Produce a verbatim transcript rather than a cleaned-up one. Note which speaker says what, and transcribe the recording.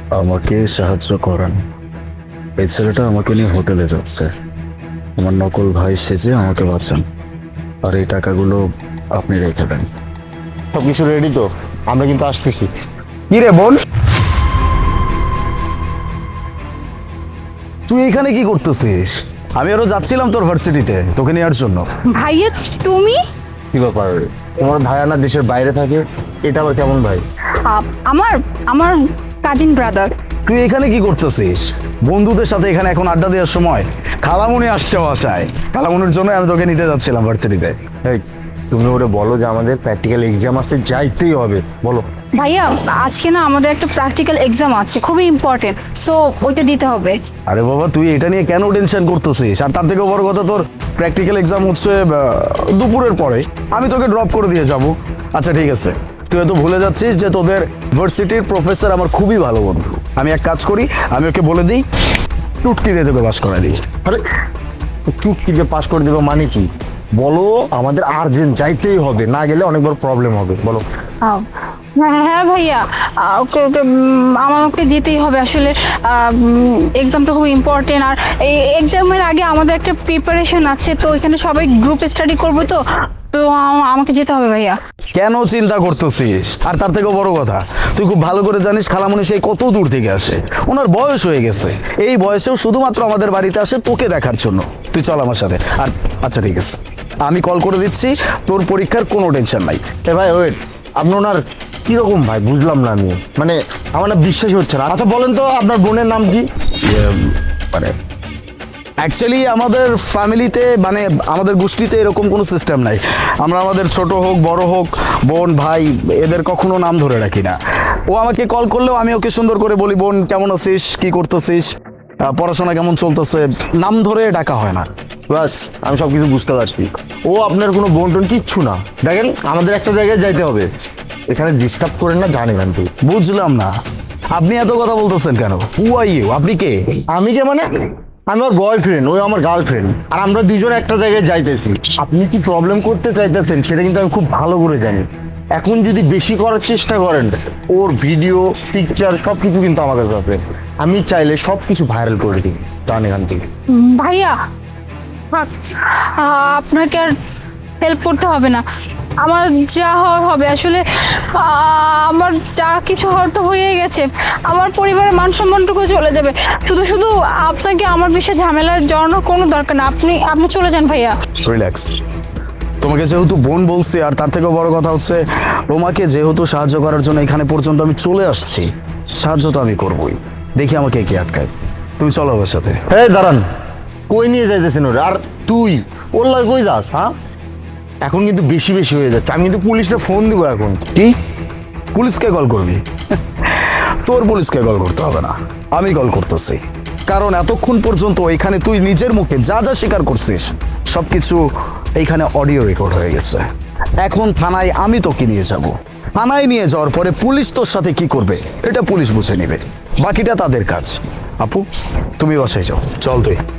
Speaker 1: আমাকে সাহায্য করান। এই ছেলেটা আমাকে নিয়ে হোটেলে যাচ্ছে, আমার নকল ভাই সেজে আমাকে বাঁচান, আর এই টাকাগুলো আপনি রেখে দেন।
Speaker 2: সব কিছু রেডি তো, আমরা কিন্তু আসতেছি।
Speaker 1: কি রে বোন, তুই এখানে কি করতেছিস? আমি আরো যাচ্ছিলাম তোর ভার্সিটিতে তোকে নেওয়ার জন্য।
Speaker 3: ভাইয়া তুমি?
Speaker 2: কি ব্যাপার, তোমার ভাই না দেশের বাইরে থাকে, এটা আবার কেমন ভাই?
Speaker 3: আ- আমার আমার কাজিন ব্রাদার।
Speaker 1: তুই এখানে কি করতেছিস? বন্ধুদের সাথে এখানে এখন আড্ডা দেওয়ার সময়? খালামুনি আসছে বাসায়, খালামুনির জন্য আমি তোকে নিতে যাচ্ছিলাম ভার্সিটিতে।
Speaker 2: এই তুমি ওরে বলো যে আমাদের প্র্যাকটিক্যাল এক্সাম আসতে যাইতেই হবে, বলো।
Speaker 3: ভাইয়া আজকে না আমাদের একটা প্র্যাকটিক্যাল এক্সাম আছে, খুবই ইম্পর্টেন্ট, সো ওইটা দিতে হবে।
Speaker 1: আরে বাবা, তুই এটা নিয়ে কেন টেনশন করতেছিস? আর তার থেকে বড় কথা, তোর প্র্যাকটিক্যাল এক্সাম হচ্ছে আহ, দুপুরের পরে। আমি তোকে ড্রপ করে দিয়ে যাব। আচ্ছা ঠিক আছে, তুই হয়তো ভুলে যাচ্ছিস যে তোদের ভার্সিটির প্রফেসর আমার খুবই ভালো বন্ধু। আমি এক কাজ করি, আমি ওকে বলে দিই টুটকি দিয়ে তোকে পাস করা দিই।
Speaker 2: আরে চুটকিকে পাস করে দেবো মানে কি? বলো আমাদের আর্জেন্ট যাইতেই হবে, না গেলে অনেক বড় প্রবলেম হবে, বলো।
Speaker 3: আও, হ্যাঁ হ্যাঁ ভাইয়া, আ, ওকে ওকে উম, আমাকে যেতেই হবে আসলে। এক্সামটা খুব ইম্পর্টেন্ট, আর এই এক্সামের আগে আমাদের একটা প্রিপারেশন আছে, তো এখানে সবাই গ্রুপ স্টাডি করবো, তো তো আ- আমাকে যেতে হবে ভাইয়া।
Speaker 1: কেন চিন্তা করতেছিস? আর তার থেকেও বড় কথা, তুই খুব ভালো করে জানিস খালামণি সেই কত দূর থেকে আসে, ওনার বয়স হয়ে গেছে। এই বয়সেও শুধুমাত্র আমাদের বাড়িতে আসে তোকে দেখার জন্য। তুই চল আমার সাথে। আর আচ্ছা ঠিক আছে, আমি কল করে দিচ্ছি, তোর পরীক্ষার কোনো টেনশন নাই।
Speaker 2: এ ভাই ওয়েট, আপনি ওনার কিরকম ভাই বুঝলাম না আমি, মানে আমার না বিশ্বাসই হচ্ছে না। আচ্ছা বলেন তো আপনার বোনের নাম কি?
Speaker 1: ইয়ে, মানে অ্যাকচুয়ালি আমাদের ফ্যামিলিতে, মানে আমাদের গোষ্ঠীতে এরকম কোনো সিস্টেম নাই। আমরা আমাদের ছোট হোক বড় হোক, বোন ভাই, এদের কখনো নাম ধরে রাখি না। ও আমাকে কল করলেও আমি ওকে সুন্দর করে বলি, বোন কেমন আছিস, কি করতেছিস, আহ, পড়াশোনা কেমন চলতেছে, নাম ধরে ডাকা হয় না।
Speaker 2: বাস আমি সব কিছু বুঝতে পারছি। ও আপনার কোনো বোন টোন কিচ্ছু না। দেখেন আমাদের একটা জায়গায় যাইতে হবে, এখানে ডিস্টার্ব করেন না, জানেন কিন্তু।
Speaker 1: বুঝলাম না, আপনি এত কথা বলতেছেন কেন? হু আর ইউ, আপনি কে?
Speaker 2: আমি কে মানে? আমি ওর বয়ফ্রেন্ড, ওই আমার গার্লফ্রেন্ড, আর আমরা দুজন একটা জায়গায় যাইতেছি। আপনি কি প্রবলেম করতে চাইতেছেন সেটা কিন্তু আমি খুব ভালো করে জানি। এখন যদি বেশি করার চেষ্টা করেন, ওর ভিডিও পিকচার সব কিছু কিন্তু আমাদের কাছে, আমি চাইলে সব কিছু ভাইরাল করে দিই, জান এখান থেকে।
Speaker 3: উম, ভাইয়া থাক, আ, আপনাকে আর হেল্প করতে হবে না, আমার যা হওয়ার হবে। আসলে আ, আমার যা কিছু হওয়ার তো হয়ে গেছে, আমার পরিবারের মান সম্মানটুকু চলে যাবে। শুধু শুধু আপনাকে আমার বিষয়ে ঝামেলা জড়ানোর কোনো দরকার না, আপনি আপনি চলে যান ভাইয়া।
Speaker 1: রিল্যাক্স। তোমাকে যেহেতু বোন বলছি, আর তার থেকেও বড় কথা হচ্ছে তোমাকে যেহেতু সাহায্য করার জন্য এখানে পর্যন্ত আমি চলে আসছি, সাহায্য তো আমি করবই। দেখি আমাকে কে আটকায়। তুমি চলো আমার সাথে।
Speaker 2: এই দাঁড়ান, কই নিয়ে যাইতেছেন ওরে? আর তুই ওর লাগে কই যাস? হ্যাঁ এখন কিন্তু বেশি বেশি হয়ে যাচ্ছে, আমি কিন্তু পুলিশে ফোন দিব এখন।
Speaker 1: কি? পুলিশকে কল করবি? তোর পুলিশকে কল করতে হবে না, আমি কল করতেছি। কারণ এতক্ষণ পর্যন্ত এখানে তুই নিজের মুখে যা যা স্বীকার করছিস সবকিছু এইখানে অডিও রেকর্ড হয়ে গেছে। এখন থানায় আমি তোকে নিয়ে যাব। থানায় নিয়ে যাওয়ার পরে পুলিশ তোর সাথে কি করবে এটা পুলিশ বুঝে নেবে, বাকিটা তাদের কাজ। আপু তুমি বাসায় যাও, চল তুই।